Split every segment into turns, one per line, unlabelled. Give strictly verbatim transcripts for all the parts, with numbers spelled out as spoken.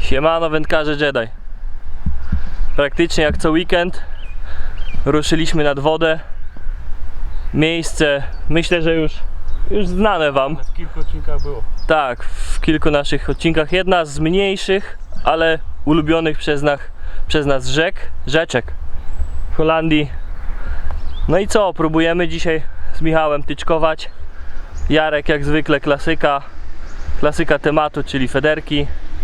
Siemano wędkarze Jedi. Praktycznie jak co weekend ruszyliśmy nad wodę. Miejsce, myślę, że już, już znane wam.
W kilku odcinkach było.
Tak, w kilku naszych odcinkach. Jedna z mniejszych, ale ulubionych przez nas, przez nas rzek, rzeczek w Holandii. No i co, próbujemy dzisiaj z Michałem tyczkować. Jarek jak zwykle klasyka, klasyka tematu, czyli federki.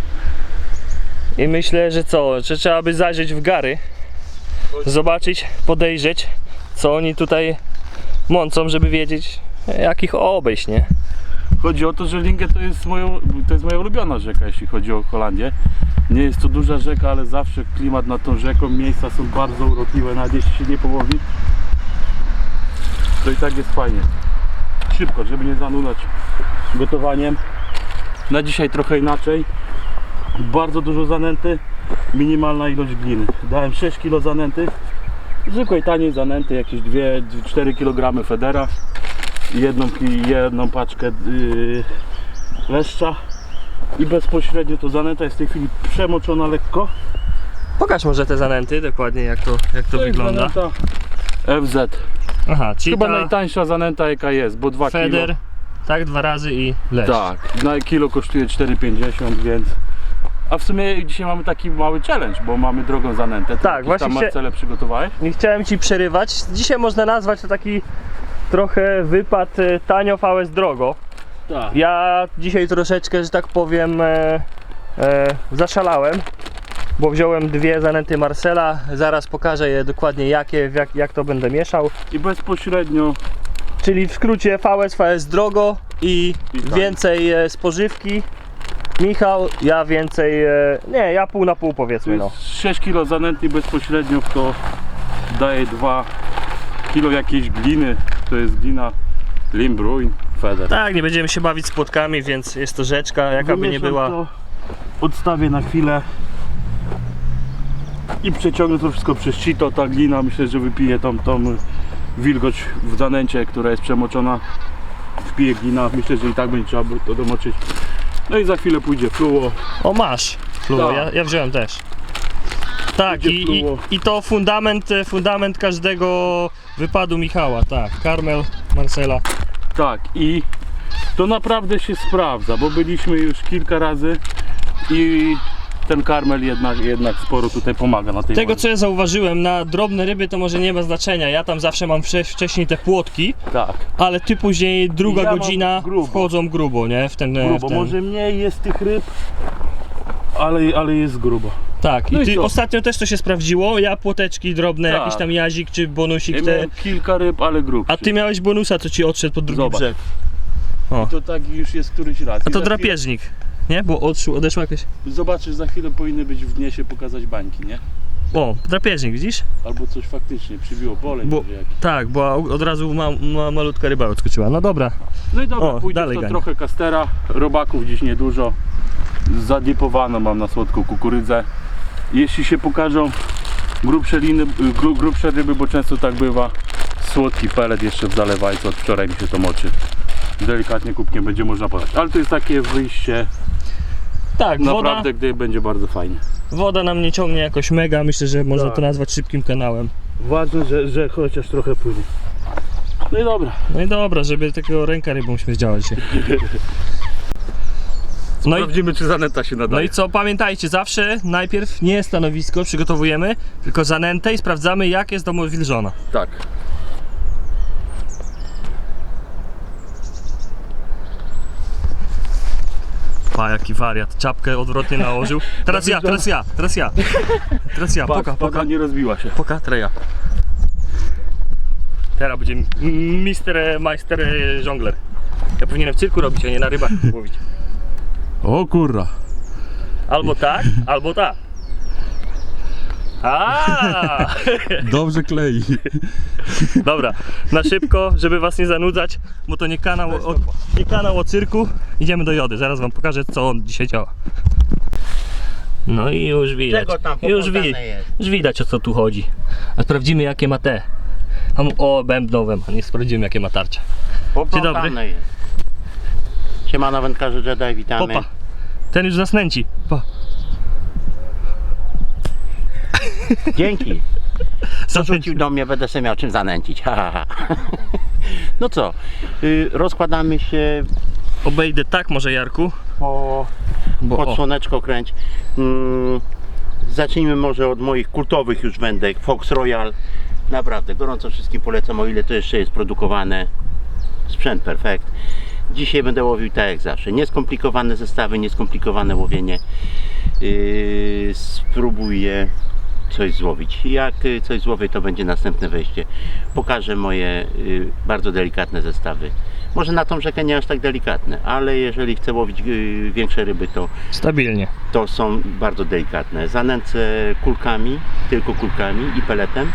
I myślę, że co, że trzeba by zajrzeć w gary, zobaczyć, podejrzeć, co oni tutaj mącą, żeby wiedzieć, jak ich obejść, nie?
Chodzi o to, że Linge to jest, moją, to jest moja ulubiona rzeka, jeśli chodzi o Holandię. Nie jest to duża rzeka, ale zawsze klimat nad tą rzeką, miejsca są bardzo urokliwe, nawet jeśli się nie połowi, to i tak jest fajnie. Szybko, żeby nie zanudzać gotowaniem. Na dzisiaj trochę inaczej. Bardzo dużo zanęty, minimalna ilość gliny. Dałem sześć kilo zanęty, zwykłej taniej zanęty, jakieś dwa do czterech kilogramów federa, jedną, jedną paczkę yy, leszcza i bezpośrednio to zanęta jest w tej chwili przemoczona lekko.
Pokaż może te zanęty, dokładnie jak to, jak to,
To jest
wygląda.
zanęta F Z.
Aha, czyli
Chyba
ta
najtańsza zanęta jaka jest, bo dwa
feder,
kilo.
tak, dwa razy i leszcz.
Tak, na kilo kosztuje cztery pięćdziesiąt, więc... A w sumie dzisiaj mamy taki mały challenge, bo mamy drogą zanętę. Ty
Tak,
jakieś
właśnie
tam
się-
Marcele przygotowałeś?
Nie chciałem ci przerywać. Dzisiaj można nazwać to taki trochę wypad e, tanio V S drogo.
Tak.
Ja dzisiaj troszeczkę, że tak powiem, e, e, zaszalałem, bo wziąłem dwie zanęty Marcela. Zaraz pokażę je dokładnie jakie, jak, jak to będę mieszał.
I bezpośrednio
Czyli w skrócie V S, V S drogo i
I tak.
więcej e, spożywki. Michał, ja więcej, e, nie, ja pół na pół
to
powiedzmy, no.
jest sześć kilo zanęty, bezpośrednio w to daje dwa kilo jakiejś gliny. To jest glina Limbrun Feder.
Tak, nie będziemy się bawić z płotkami, więc jest to rzeczka, jaka by nie
Wymieszam
była.
to, odstawię na chwilę i przeciągnę to wszystko przez sito. Ta glina myślę, że wypije tą, tą wilgoć w zanęcie, która jest przemoczona. Wpije glina, myślę, że i tak będzie trzeba to domoczyć. No i za chwilę pójdzie fluo.
O, masz fluo,
Tak.
ja, ja wziąłem też. Tak,
Idzie
i, i,
fluo.
i to fundament, fundament każdego wypadu Michała, tak. Karmel, Marcela.
Tak, i to naprawdę się sprawdza, bo byliśmy już kilka razy i ten karmel jednak, jednak sporo tutaj pomaga na tej
Tego
wodzie.
co ja zauważyłem, na drobne ryby to może nie ma znaczenia. Ja tam zawsze mam wcze- wcześniej te płotki,
Tak,
ale ty później druga
Ja mam
godzina
grubo.
wchodzą grubo, nie? W ten,
grubo,
w ten...
może mniej jest tych ryb, ale, ale jest grubo.
Tak,
No
i
i
ty
co?
ostatnio też to się sprawdziło. Ja płoteczki drobne,
Tak.
jakiś tam jazik czy bonusik
Ja
te.
miałem kilka ryb, ale grubszy.
A ty miałeś bonusa, co ci odszedł pod drugi
Zobacz.
brzeg.
To tak już jest któryś raz.
A
I
to
za
drapieżnik, nie? Bo odszło, odeszła jakaś...
chwilę- Zobaczysz, za chwilę powinny być w dnie się pokazać bańki, nie?
O, drapieżnik, widzisz?
Albo coś faktycznie przybiło, boleń
Bo,
może jakiś.
tak, bo od razu ma, ma, malutka ryba odskoczyła. No dobra.
No i dobra,
O,
pójdzie
dalej
w to
gania.
trochę kastera, robaków dziś niedużo. Zadipowano mam na słodką kukurydzę. Jeśli się pokażą grubsze liny, gru, grubsze ryby, bo często tak bywa, słodki pelet jeszcze w zalewajce, od wczoraj mi się to moczy. Delikatnie kubkiem będzie można podać, ale to jest takie wyjście
Tak, woda,
naprawdę, gdy będzie bardzo fajnie.
woda nam nie ciągnie jakoś mega. Myślę, że można
Tak.
to nazwać szybkim kanałem.
Ważne, że, że chociaż trochę płynie. No i dobra.
No i dobra, żeby takiego ręka rybą śmierdziała dzisiaj. No i,
Sprawdzimy, czy zanęta się
no
nadaje.
i co, pamiętajcie, zawsze najpierw nie stanowisko przygotowujemy, tylko zanętę i sprawdzamy, jak jest domowilżona.
Tak.
Pa, jaki wariat, czapkę odwrotnie nałożył. Teraz ja, teraz ja, teraz ja. Teraz ja,
Poka,
poka, poka.
nie rozbiła się.
Poka, treja. Teraz będzie m- mister, majster e, żongler. Ja powinienem w cyrku robić, a nie na rybach łowić.
O kurra.
Albo tak, albo tak. A!
Dobrze klei.
Dobra, na szybko, żeby was nie zanudzać, bo to nie kanał o, nie kanał o cyrku. Idziemy do Jody, zaraz wam pokażę, co on dzisiaj działa. No i już widać,
Czego tam
już, wi
pokazane jest?
już widać, o co tu chodzi. A sprawdzimy, jakie ma te. A mu- O, bębnowe ma, nie sprawdzimy, jakie ma tarcze. Dzień dobry.
Poplątane jest. Siemano wędkarze Jedi, witamy.
Popa, ten już nas nęci. Pa.
Dzięki. Co rzucił do mnie, będę sobie miał czym zanęcić. Ha, ha, ha. No co, y, rozkładamy się
Obejdę tak może, Jarku,
po,
bo
pod
o,
słoneczko kręć. Mm, zacznijmy może od moich kultowych już wędek. Fox Royal. Naprawdę, gorąco wszystkim polecam, o ile to jeszcze jest produkowane. Sprzęt perfekt. Dzisiaj będę łowił tak jak zawsze. Nieskomplikowane zestawy, nieskomplikowane łowienie. Yy, spróbuję coś złowić. Jak y, coś złowię, to będzie następne wejście. Pokażę moje y, bardzo delikatne zestawy. Może na tą rzekę nie aż tak delikatne, ale jeżeli chcę łowić y, większe ryby, to,
stabilnie.
to są bardzo delikatne. Zanęcę kulkami, tylko kulkami i peletem,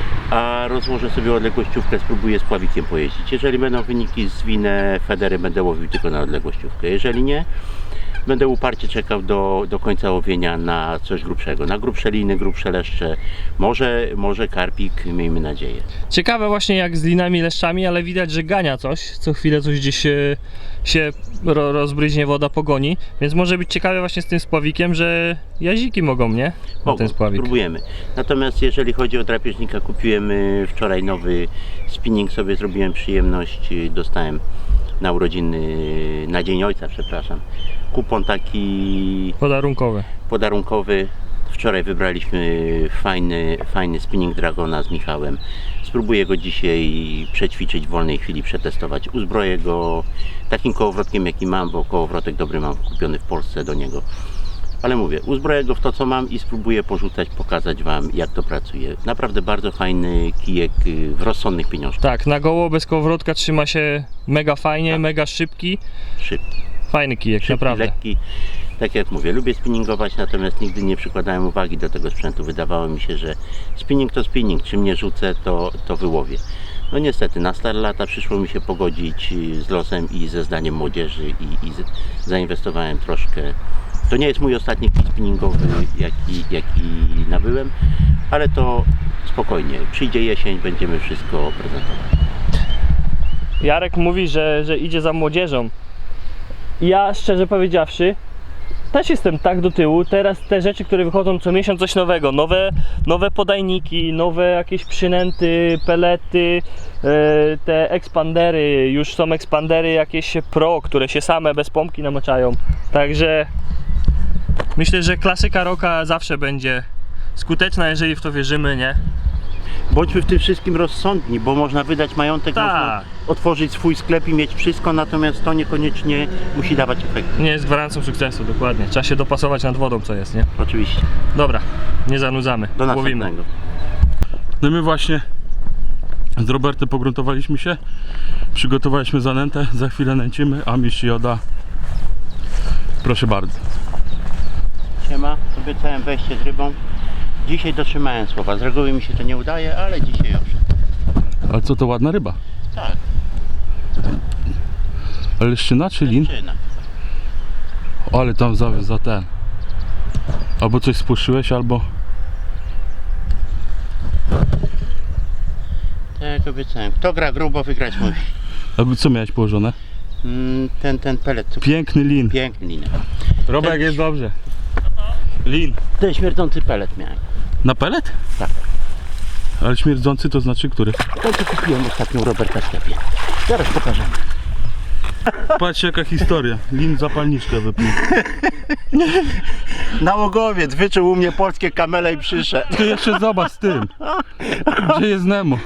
a rozłożę sobie odległościówkę, spróbuję z pławikiem pojeździć. Jeżeli będą wyniki zwinne federy, będę łowił tylko na odległościówkę. Jeżeli nie, będę uparcie czekał do, do końca łowienia na coś grubszego. Na grubsze liny, grubsze leszcze, może, może karpik, miejmy nadzieję.
Ciekawe właśnie jak z linami, leszczami, ale widać, że gania coś. Co chwilę coś gdzieś się, się ro, rozbryźnie, woda pogoni. Więc może być ciekawe właśnie z tym spławikiem, że jaziki mogą, nie? Na
Mogą,
ten spławik.
spróbujemy. Natomiast jeżeli chodzi o drapieżnika, kupiłem y, wczoraj nowy spinning, sobie zrobiłem przyjemność, y, dostałem na urodziny, y, na Dzień Ojca, przepraszam, kupon taki
Podarunkowe.
podarunkowy. Wczoraj wybraliśmy fajny, fajny spinning Dragona z Michałem. Spróbuję go dzisiaj przećwiczyć w wolnej chwili, przetestować. Uzbroję go takim kołowrotkiem jaki mam, bo kołowrotek dobry mam kupiony w Polsce do niego. Ale mówię, uzbroję go w to co mam i spróbuję porzucać, pokazać Wam jak to pracuje. Naprawdę bardzo fajny kijek y, w rozsądnych pieniążkach.
Tak, na goło bez kołowrotka trzyma się mega fajnie,
Tak.
mega szybki.
Szybki,
Fajny kijek,
szybki,
naprawdę.
lekki. Tak jak mówię, lubię spinningować, natomiast nigdy nie przykładałem uwagi do tego sprzętu. Wydawało mi się, że spinning to spinning, czym nie rzucę, to, to wyłowię. No niestety, na stare lata przyszło mi się pogodzić z losem i ze zdaniem młodzieży i, i z, zainwestowałem troszkę. To nie jest mój ostatni kit spinningowy, jaki, jaki nabyłem, ale to spokojnie. Przyjdzie jesień, będziemy wszystko prezentować.
Jarek mówi, że, że idzie za młodzieżą. Ja szczerze powiedziawszy też jestem tak do tyłu. Teraz te rzeczy, które wychodzą co miesiąc, coś nowego, nowe, nowe podajniki, nowe jakieś przynęty, pelety, e, te ekspandery, już są ekspandery jakieś pro, które się same bez pompki namaczają. Także myślę, że klasyka rocka zawsze będzie skuteczna, jeżeli w to wierzymy, nie?
Bądźmy w tym wszystkim rozsądni, bo można wydać majątek,
Tak.
można otworzyć swój sklep i mieć wszystko, natomiast to niekoniecznie musi dawać efekt.
Nie jest gwarancją sukcesu, dokładnie. Trzeba się dopasować nad wodą, co jest, nie?
Oczywiście.
Dobra, nie zanudzamy.
Do
Łowimy.
następnego.
No my właśnie z Robertem pogruntowaliśmy się, przygotowaliśmy zanętę, za chwilę nęcimy, a mistrz Joda, proszę bardzo.
Siema, obiecałem wejście z rybą. Dzisiaj dotrzymałem słowa. Z reguły mi się to nie udaje, ale dzisiaj owszem.
Ale co to ładna ryba?
Tak,
Ale leszczyna czy lin?
czyna.
Ale tam za, za ten. Albo coś spłoszyłeś, albo...
Tak jak obiecałem. Kto gra grubo, wygrać musi.
Albo co miałeś położone?
Mm, ten, ten pelet. co-
Piękny lin.
Piękny linek.
Robek, jest dobrze. Lin.
Ten śmierdzący pelet miałem.
Na pelet?
Tak.
Ale śmierdzący to znaczy który?
To co kupiłem ostatnio u Roberta w sklepie. Zaraz pokażemy.
Patrzcie jaka historia. Lin zapalniczkę wypił.
Nałogowiec wyczuł u mnie polskie kamele i przyszedł.
Ty jeszcze zobacz z tym. Gdzie jest Nemo?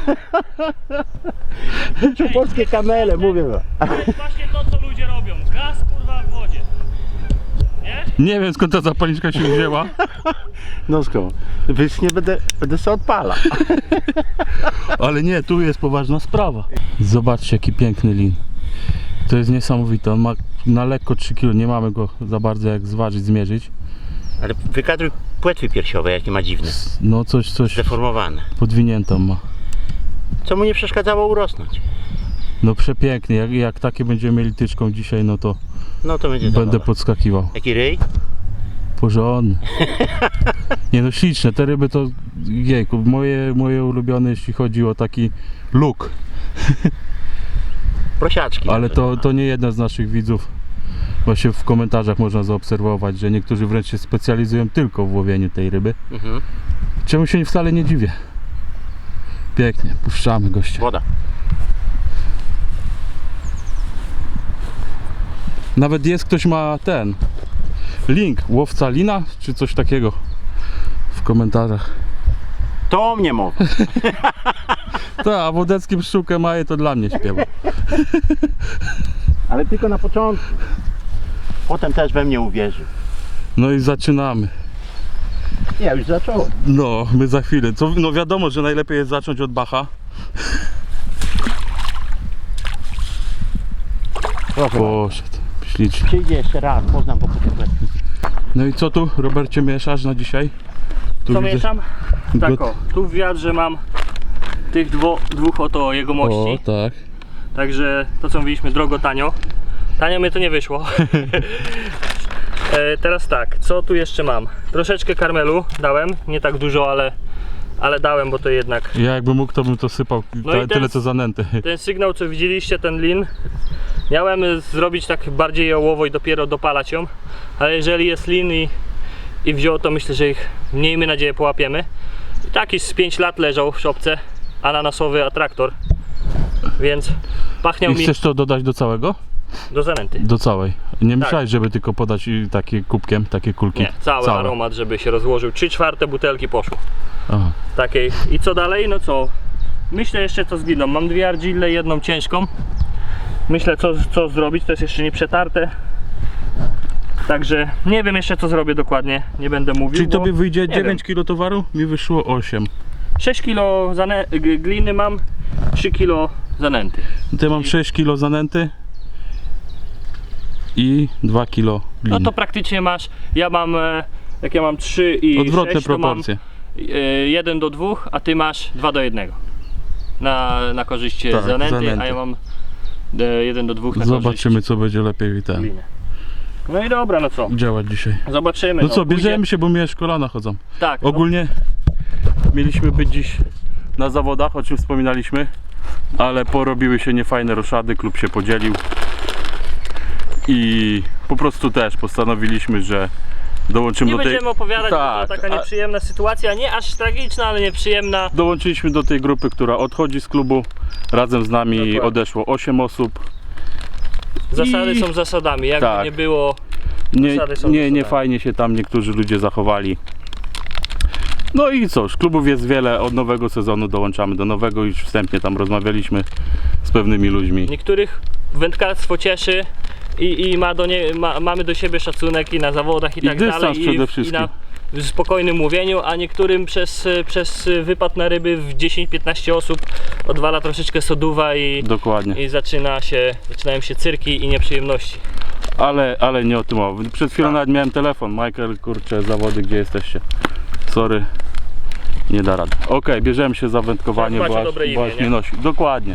Wyczuł polskie kamele, mówię wam.
To jest właśnie to, co ludzie robią. Gaz, kurwa, w wodzie. Nie?
Nie wiem skąd ta zapalniczka się wzięła.
No skąd? Więc nie będę, będę sobie odpala.
Ale nie, tu jest poważna sprawa. Zobaczcie jaki piękny lin. To jest niesamowite. On ma na lekko trzy kilo. Nie mamy go za bardzo jak zważyć, zmierzyć.
Ale wykadruj płetwy piersiowe, jakie ma dziwne.
No coś, coś
Zdeformowane.
podwiniętą ma.
Co mu nie przeszkadzało urosnąć.
No przepięknie. Jak, jak takie będziemy mieli tyczką dzisiaj, no to
No to będzie
będę
zabawa.
podskakiwał.
Jaki ryj?
Porządny. Nie no śliczne. Te ryby to jejku, moje, moje ulubione jeśli chodzi o taki look.
Prosiaczki.
Ale to,
nawet.
to nie jeden z naszych widzów. Właśnie w komentarzach można zaobserwować, że niektórzy wręcz się specjalizują tylko w łowieniu tej ryby.
Mhm.
Czemu się wcale nie dziwię. Pięknie, puszczamy gościa.
Woda.
Nawet jest, ktoś ma ten link, łowca lina, czy coś takiego w komentarzach.
To mnie mowa.
Tak, a Wodecki pszczółkę maje, to dla mnie śpiewa.
Ale tylko na początku. Potem też we mnie uwierzył.
No i zaczynamy.
Ja już zacząłem.
No, my za chwilę. Co, no wiadomo, że najlepiej jest zacząć od Bacha.
Proszę.
Poszedł, ślicznie.
Przyjdzie jeszcze raz, poznam go po tym.
No i co tu, Robercie, mieszasz na dzisiaj? Tu
Co
widzę-
mieszam?
Got-
Tak o, tu w wiadrze mam tych dwo, dwóch oto jegomości.
O, tak.
Także to co mówiliśmy, drogo, tanio. Tanio mnie to nie wyszło. e, teraz tak, co tu jeszcze mam? Troszeczkę karmelu dałem, nie tak dużo, ale, ale dałem, bo to jednak
Ja jakbym mógł, to bym to sypał.
No
Ta,
i
tyle
teraz-
co zanęty.
ten sygnał, co widzieliście, ten lin, miałem zrobić tak bardziej jałowo i dopiero dopalać ją, ale jeżeli jest lin i, i wziął, to myślę, że ich, miejmy nadzieję, połapiemy. I taki z pięć lat leżał w szopce, ananasowy atraktor, więc pachniał
I
mi
chcesz to dodać do całego?
do zanęty.
Do całej. Nie myślałeś, żeby tylko podać i takie kubkiem, takie kulki?
Nie, cały
Całe.
aromat, żeby się rozłożył. Trzy czwarte butelki poszło.
Aha.
Takiej. I co dalej? No co? Myślę jeszcze co z gliną. Mam dwie argille, jedną ciężką. Myślę co, co zrobić, to jest jeszcze nie przetarte. Także nie wiem jeszcze co zrobię dokładnie, nie będę mówił.
Czyli
bo
tobie wyjdzie
nie
dziewięć kilo towaru? Mi wyszło osiem.
wiem. sześć kilo zane- g- gliny mam, trzy kilo zanęty.
Ty mam sześć kilo zanęty i dwa kilo gliny.
No to praktycznie masz, ja mam, e, jak ja mam trzy i
Odwrotne
sześć, to mam
proporcje.
jeden do dwóch, a ty masz dwa do jednego. Na, na korzyść
Tak,
zanęty,
zanęty.
a ja mam e, jeden do dwóch na
Zobaczymy, co będzie lepiej i
korzyść
ten
gliny. No i dobra, no co?
działać dzisiaj.
Zobaczymy.
No co,
pójdzie-
bierzemy się, bo mnie aż kolana chodzą.
Tak, no,
Ogólnie mieliśmy być dziś na zawodach, o czym wspominaliśmy, ale porobiły się niefajne roszady, klub się podzielił i po prostu też postanowiliśmy, że dołączymy
nie
do tej...
będziemy opowiadać, bo
Tak,
to taka
a-
nieprzyjemna sytuacja, nie aż tragiczna, ale nieprzyjemna.
Dołączyliśmy do tej grupy, która odchodzi z klubu. Razem z nami
Dokładnie.
odeszło osiem osób.
Zasady
I-
są zasadami, jakby
Tak.
nie było.
Nie,
Zasady są
nie, nie
zasadami.
fajnie się tam niektórzy ludzie zachowali. No i cóż, klubów jest wiele, od nowego sezonu dołączamy do nowego, już wstępnie tam rozmawialiśmy z pewnymi ludźmi.
Niektórych wędkarstwo cieszy i, i ma do nie, ma, mamy do siebie szacunek i na zawodach i,
I
tak
dystans
dalej.
przede
I,
wszystkim.
I na w spokojnym mówieniu, a niektórym przez, przez wypad na ryby w dziesięć piętnaście osób odwala troszeczkę soduwa i,
Dokładnie.
i zaczyna się, zaczynają się cyrki i nieprzyjemności.
Ale, ale nie o tym mowa. Przed chwilą
Tak.
nawet miałem telefon. Michael, kurczę, zawody, gdzie jesteście? Sorry. Nie da rady. Okej, bierzemy się za wędkowanie,
Macie
bo aż,
dobre
bo
imię,
aż
nie?
mnie nosi. Dokładnie.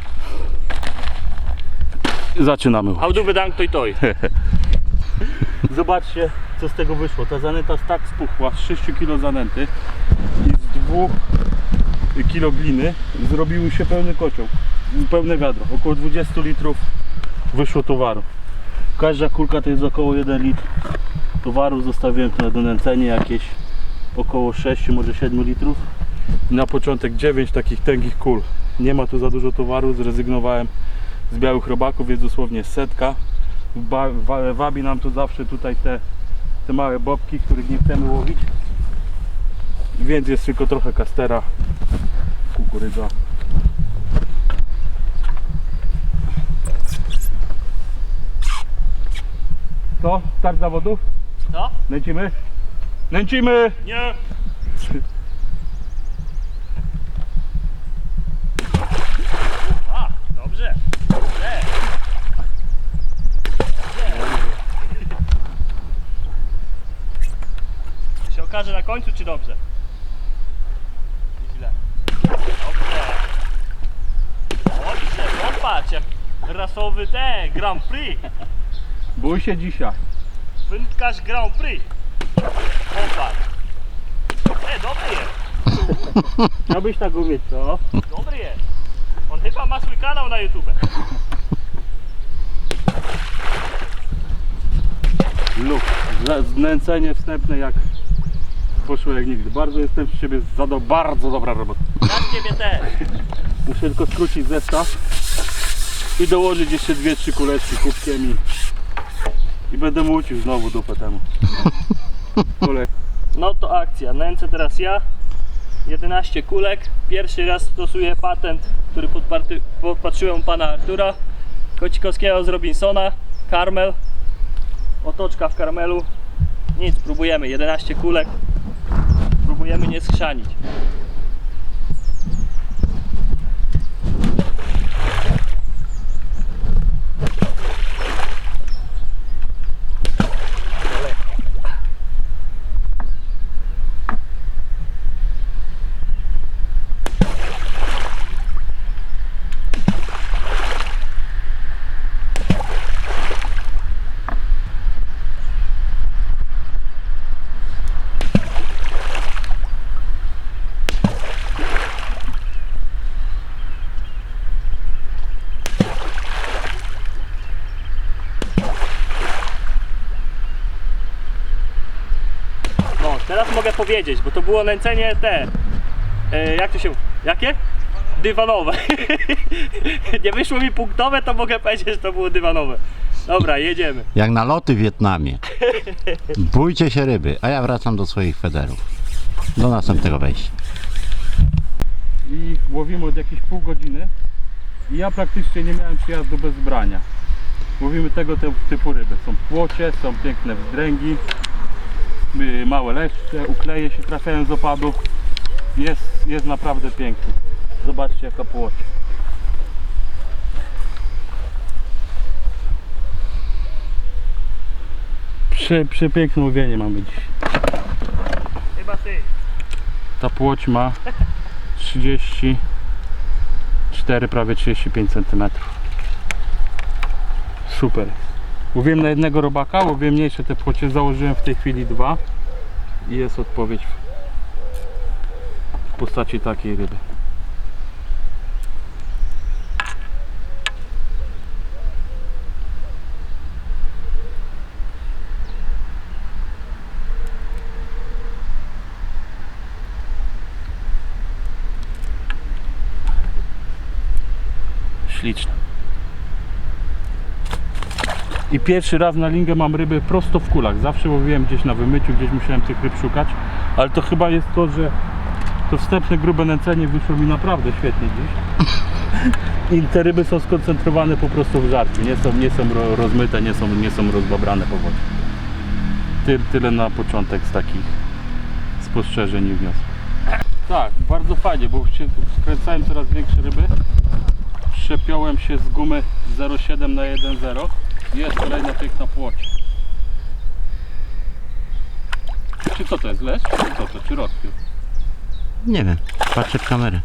Zaczynamy.
How do dank toj toj.
Zobaczcie, co z tego wyszło. Ta zanęta tak spuchła z sześć kilo zanęty i z dwóch kilo gliny zrobił się pełny kocioł, pełne wiadro. Około dwadzieścia litrów wyszło towaru. Każda kulka to jest około jeden litr towaru. Zostawiłem tu na donęcenie jakieś około sześć, może siedem litrów. Na początek dziewięć takich tęgich kul. Nie ma tu za dużo towaru, zrezygnowałem z białych robaków, jest dosłownie setka. Ba, wa, wabi nam tu zawsze tutaj te, te małe bobki, których nie chcemy łowić, więc jest tylko trochę kastera, kukurydza. Co? Start zawodów?
Co?
Nęcimy? Nęcimy!
Nie! A, dobrze. Dobrze. Dobrze. Się okaże na końcu, czy dobrze? Źle. Dobrze. Dobrze, popatrz, jak rasowy ten Grand Prix.
Bój się dzisiaj.
Wędkarz Grand Prix. Popatrz. E, dobry jest.
Chciałbyś tak umieć, co?
Dobry jest. On chyba ma swój kanał na YouTube.
Luk. Znęcenie wstępne jak poszło jak nigdy. Bardzo jestem z Ciebie zadał, bardzo dobra robota.
Ja z ciebie też.
Muszę tylko skrócić zestaw i dołożyć jeszcze dwie, trzy kuleczki kubkiem i, i będę mucił znowu dupę temu. Kule.
No to akcja. Nęcę teraz ja. jedenaście kulek. Pierwszy raz stosuję patent, który podparty, podpatrzyłem u pana Artura Kocikowskiego z Robinsona. Karmel. Otoczka w karmelu. Nic, próbujemy. jedenaście kulek. Próbujemy nie schrzanić. No, teraz mogę powiedzieć, bo to było nęcenie te. E, jak to się. Jakie? Dywanowe. Nie wyszło mi punktowe, to mogę powiedzieć, że to było dywanowe. Dobra, jedziemy.
Jak na loty w Wietnamie. Bójcie się ryby, a ja wracam do swoich federów. Do następnego wejścia.
I łowimy od jakieś pół godziny i ja praktycznie nie miałem przyjazdu bez brania. Łowimy tego typu ryby. Są płocie, są piękne wzdręgi, y, małe leszcze, ukleje się trafiają z opadu. Jest, jest naprawdę piękny. Zobaczcie jaka płoć. Prze, przepiękne łowienie mamy dziś.
Chyba ty.
Ta płoć ma trzydzieści cztery, prawie trzydzieści pięć centymetrów. Super. Łowiłem na jednego robaka, łowiłem mniejsze te płocie, założyłem w tej chwili dwa i jest odpowiedź w postaci takiej ryby. Śliczne. I pierwszy raz na lingę mam ryby prosto w kulach. Zawsze łowiłem gdzieś na wymyciu, gdzieś musiałem tych ryb szukać. Ale to chyba jest to, że to wstępne grube nęcenie wyszło mi naprawdę świetnie dziś. I te ryby są skoncentrowane po prostu w żarciu. Nie są, nie są ro, rozmyte, nie są, nie są rozbabrane po wodzie. Ty, tyle na początek z takich spostrzeżeń i wniosków. Tak, bardzo fajnie, bo się wkręcałem coraz większe ryby. Przepiąłem się z gumy zero przecinek siedem na jeden zero. Jest kolejna piękna płoć. Czy co to jest? Lesz? Czy co to? Czy rozpiór?
Nie wiem, patrzę w kamerę.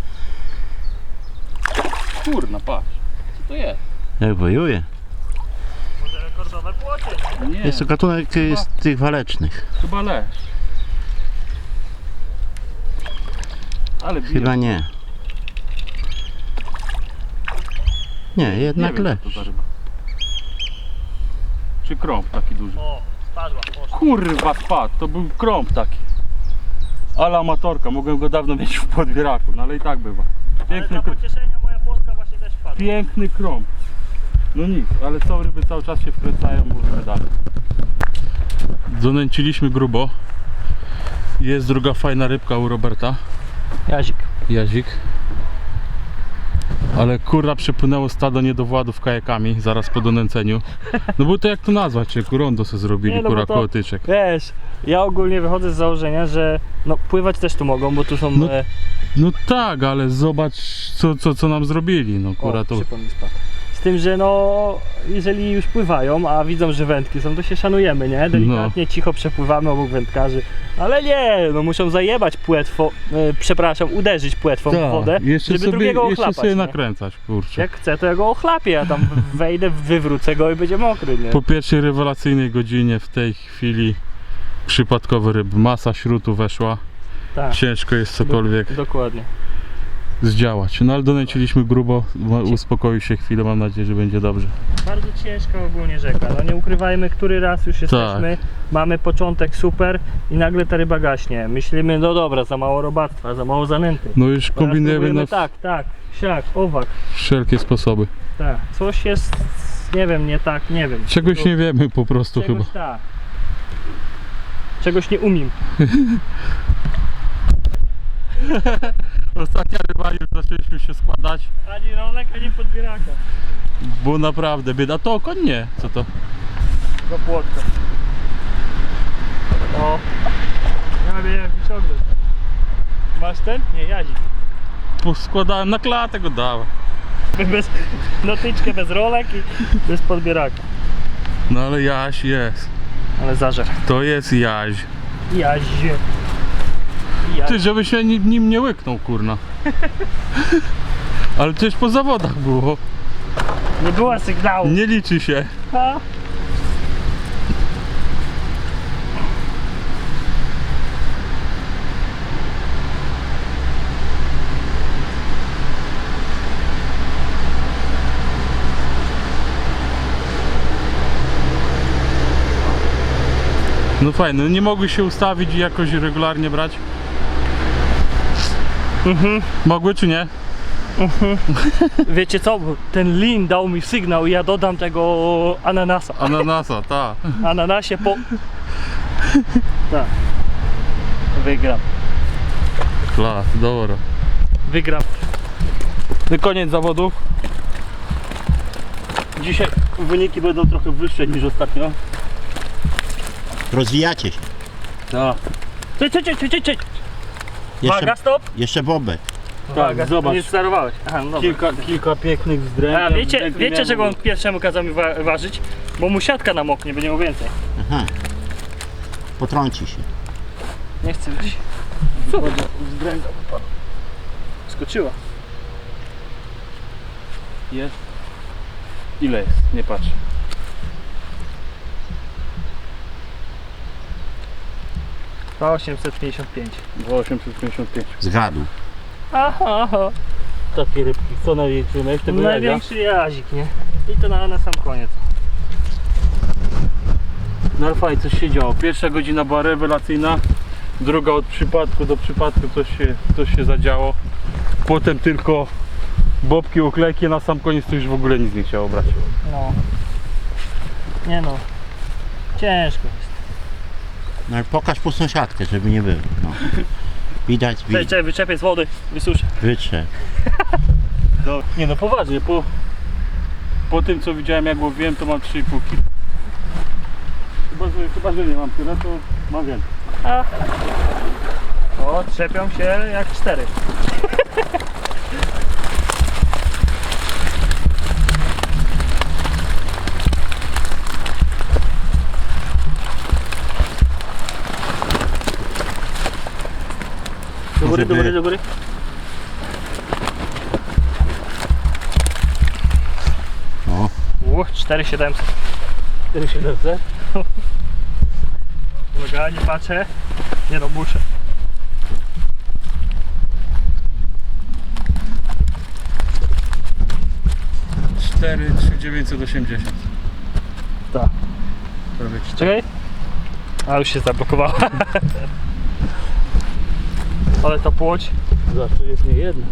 Kurna, patrz. Co to jest?
Jak wojuje.
Może rekordowe płocie.
Nie,
Jest to gatunek y, z tych walecznych.
chyba lesz. Ale bije.
Chyba nie. Nie, jednak
Nie wiem,
lesz.
co to za ryba. Czy krąb taki duży?
O, spadła, poszła.
Kurwa spadł, to był krąb taki. Ale amatorka, mogłem go dawno mieć w podbieraku, no ale i tak bywa.
Ale
Piękny,
dla
kr-
pocieszenia moja płotka właśnie też wpadła.
piękny krąb. No nic, ale są ryby cały czas się wkręcają, mówimy dalej. Donęciliśmy grubo. Jest druga fajna rybka u Roberta.
Jazik.
Jazik. Ale kurwa przepłynęło stado niedowładów kajakami zaraz po donęceniu. No bo to jak to nazwać, czy rondo se zrobili,
Nie, no bo
kurwa
to-
koło tyczek.
Wiesz, ja ogólnie wychodzę z założenia, że no pływać też tu mogą, bo tu są...
No,
e,
No tak, ale zobacz co, co, co nam zrobili, no kurwa
o,
to...
przypomnij mi spadł. Z tym, że no, jeżeli już pływają, a widzą, że wędki są, to się szanujemy, nie? Delikatnie,
No.
cicho przepływamy obok wędkarzy. Ale nie, no muszą zajebać płetwą, e, przepraszam, uderzyć płetwą w
Tak,
wodę,
jeszcze
żeby
sobie,
drugiego
jeszcze
ochlapać,
sobie
nie?
nakręcać, kurczę.
Jak chcę, to ja go ochlapię, a tam wejdę, wywrócę go i będzie mokry, nie?
Po pierwszej rewelacyjnej godzinie w tej chwili przypadkowy ryb, masa śrutu weszła,
Tak,
ciężko jest cokolwiek.
dokładnie.
zdziałać. No ale donęciliśmy grubo, uspokoił się chwilę, mam nadzieję, że będzie dobrze.
Bardzo ciężka ogólnie rzeka, no nie ukrywajmy, który raz już jesteśmy, mamy początek super i nagle ta ryba gaśnie. Myślimy, no dobra, za mało robactwa, za mało zanęty.
No już
Teraz
kombinujemy
próbujemy
na
tak, tak, siak, owak,
wszelkie sposoby.
tak. Coś jest, nie wiem, nie tak, nie wiem.
Czegoś
To-
nie wiemy po prostu
Czegoś
chyba.
tak. Czegoś nie umiem.
Ostatnia ryba już zaczęliśmy się składać,
Ani rolek, ani podbieraka.
bo naprawdę bieda. To koń nie, co to?
Do płotka. O. Ja wiem jak wyciągnąć. Masz ten? Nie, jazik.
Składałem na klatę, go dałem.
Bez notyczkę, bez rolek i bez podbieraka.
No ale Jaś jest.
Ale zażer.
To jest Jaś.
Jazie. Jazie.
Ty, żeby się nim, nim nie łyknął, kurna. Ale też po zawodach było.
Nie było sygnału.
Nie liczy się.
Ha?
No fajne, no nie mogły się ustawić i jakoś regularnie brać?
Mhm.
Mogły czy nie?
Wiecie co? Ten lin dał mi sygnał i ja dodam tego ananasa.
Ananasa, ta.
Ananasie po... Tak. Wygram.
Klas, dobra.
Wygram.
No koniec zawodów. Dzisiaj wyniki będą trochę wyższe niż ostatnio.
Rozwijacie się.
Tak.
Cześć, cześć, cześć, cześć.
Jeszcze,
Uwaga, stop.
jeszcze bobek.
Tak, zobacz.
Nie starowałeś. Aha, no dobra.
Kilka, kilka pięknych wzdręć.
A wiecie, wiecie czego on pierwszemu kazał mi wa ważyć? Bo mu siatka namoknie, będzie miał więcej.
Aha. Potrąci się.
Nie chcę być. Co? Wzdręga wypadła. Skoczyła.
Jest. Ile jest? Nie patrzę.
dwa osiemset pięćdziesiąt pięć.
dwa osiemset pięćdziesiąt pięć.
Zgadł.
Aha, aha.
Takie rybki. Co największy? Miałeś tego jazia?
Największy jazik, nie? I to na, na sam koniec.
No ale fajnie, coś się działo. Pierwsza godzina była rewelacyjna. Druga od przypadku do przypadku coś się, coś się zadziało. Potem tylko bobki, oklejki, na sam koniec to już w ogóle nic nie chciało brać.
No. Nie no. Ciężko jest.
No ale pokaż pustą siatkę, żeby nie było. No. Widać,
Cześć,
widać.
cześć, wyczepię z wody, wysuszę.
Wytrze.
Nie no poważnie, po, po tym co widziałem jak łowiłem to mam trzy i pół kilo. Chyba, że, chyba, że nie mam tyle, to mam więcej.
A. O, trzepią się jak cztery. Do góry, do góry, do góry.
O.
Uch, cztery tysiące siedemset.
cztery siedemset?
Uwaga, nie patrzę. Nie no, muszę.
cztery tysiące dziewięćset osiemdziesiąt.
Tak.
Prawie cztery.
Czekaj. A już się zablokowała. Ale ta płoć,
Zawsze jest nie jedna.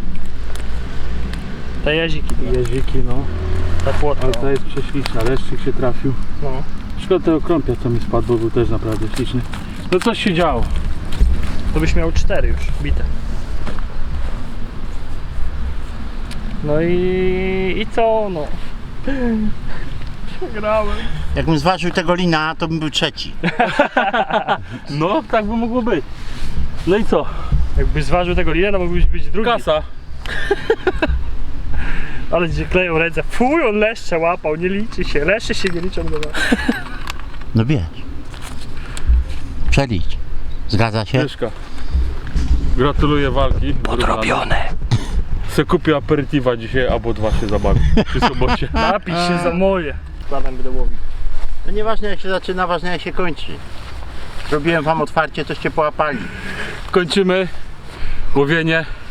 te jaziki,
Jeziki, no.
ta płotka.
Ale ta jest prześliczna, leszczyk się trafił.
No.
Szkoda tego krąpia co mi spadł, bo był też naprawdę śliczny. No coś się działo.
To byś miał cztery już bite. No i, i co? No. Przegrałem.
Jakbym zważył tego lina, to bym był trzeci.
No, tak by mogło być. No i co?
Jakbyś zważył tego lina, to mógłbyś być drugi.
Kasa.
Ale gdzie kleją ręce. Fuj, on leszcze łapał, nie liczy się. Leszcze się nie liczą do was.
No wiesz. Przelicz. Zgadza się?
Mieszka. Gratuluję walki. Podrobione. Se kupię aperitiwa dzisiaj, albo dwa się zabawi przy sobocie.
Napisz się za moje. Planem będę łowił.
To nieważne jak się zaczyna, ważne jak się kończy. Zrobiłem wam otwarcie, toście połapali.
Kończymy łowienie.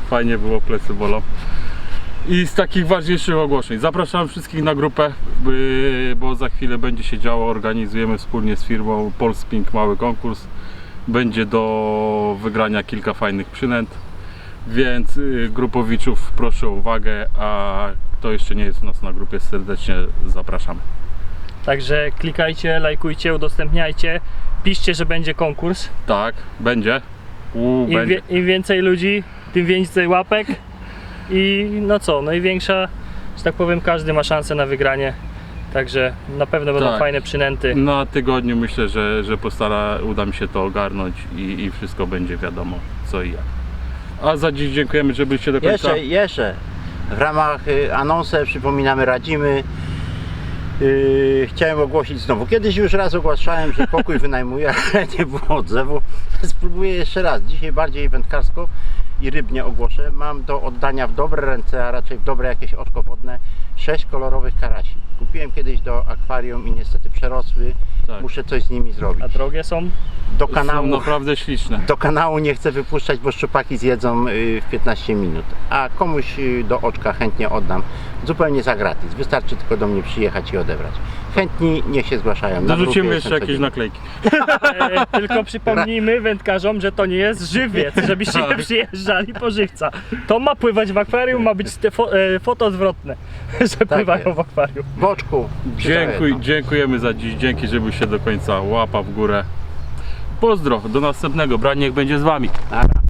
fajnie było, plecy bolą. I z takich ważniejszych ogłoszeń zapraszam wszystkich na grupę, by, bo za chwilę będzie się działo, organizujemy wspólnie z firmą Polsping mały konkurs. Będzie do wygrania kilka fajnych przynęt, więc y, grupowiczów proszę o uwagę, a kto jeszcze nie jest u nas na grupie, serdecznie zapraszamy.
Także klikajcie, lajkujcie, udostępniajcie, piszcie, że będzie konkurs.
Tak, będzie. U,
Im,
będzie.
wie, Im więcej ludzi, tym więcej łapek i no co, no i większa, że tak powiem, każdy ma szansę na wygranie. Także na pewno będą
Tak.
fajne przynęty.
Na tygodniu myślę, że, że postara, uda mi się to ogarnąć i, i wszystko będzie wiadomo co i jak. A za dziś dziękujemy, że byliście do końca.
Jeszcze, jeszcze. W ramach y, anonsu przypominamy, radzimy. Yy, chciałem ogłosić znowu. Kiedyś już raz ogłaszałem, że pokój wynajmuję, ale nie było odzewu. Spróbuję jeszcze raz. Dzisiaj bardziej wędkarsko i rybnie ogłoszę. Mam do oddania w dobre ręce, a raczej w dobre jakieś oczko wodne, sześć kolorowych karasi. Kupiłem kiedyś do akwarium i niestety przerosły.
Tak.
Muszę coś z nimi zrobić.
A drogie są?
Do
Są
kanału,
naprawdę śliczne.
do kanału nie chcę wypuszczać, bo szczupaki zjedzą y, w piętnaście minut. A komuś y, do oczka chętnie oddam. Zupełnie za gratis. Wystarczy tylko do mnie przyjechać i odebrać. Chętni niech się zgłaszają. Na
Dorzucimy
grupie
jeszcze
jestem
jakieś
codziennie.
naklejki.
E, tylko przypomnijmy wędkarzom, że to nie jest żywiec, żebyście nie przyjeżdżali po żywca. To ma pływać w akwarium, ma być te fo e, foto zwrotne, że pływają
jest.
w akwarium.
W oczku.
Dziękuj,
no.
dziękujemy za dziś. Dzięki, że byliście do końca. Łapa w górę. Pozdro, do następnego. Brań niech będzie z wami.
Nara.